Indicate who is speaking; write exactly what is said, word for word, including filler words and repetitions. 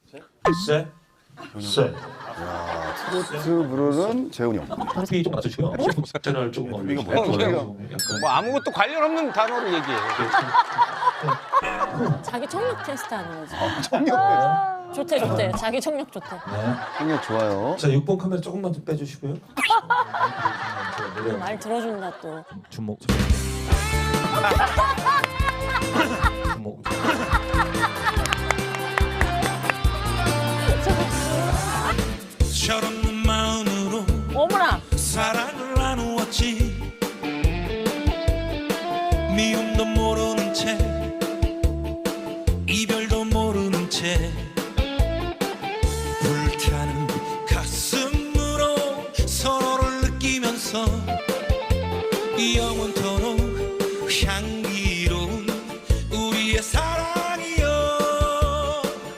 Speaker 1: 쎄. 쎄.
Speaker 2: 트로트 부르는 재훈이 형.
Speaker 1: 한국이 좀 맞추시고요. 채널 조금
Speaker 2: 이거
Speaker 1: 올리시고요.
Speaker 2: 뭐야?
Speaker 1: 약간
Speaker 3: 뭐 아무것도 관련 없는 단어를 얘기해.
Speaker 4: 자기 청력 테스트 하는 거지.
Speaker 2: 청력.
Speaker 4: 좋대 좋대. 자기 청력 좋대.
Speaker 1: 네.
Speaker 2: 청력 좋아요.
Speaker 1: 자, 육 번 카메라 조금만 더 빼주시고요.
Speaker 4: 말 들어준다 또.
Speaker 1: 주목. 주목.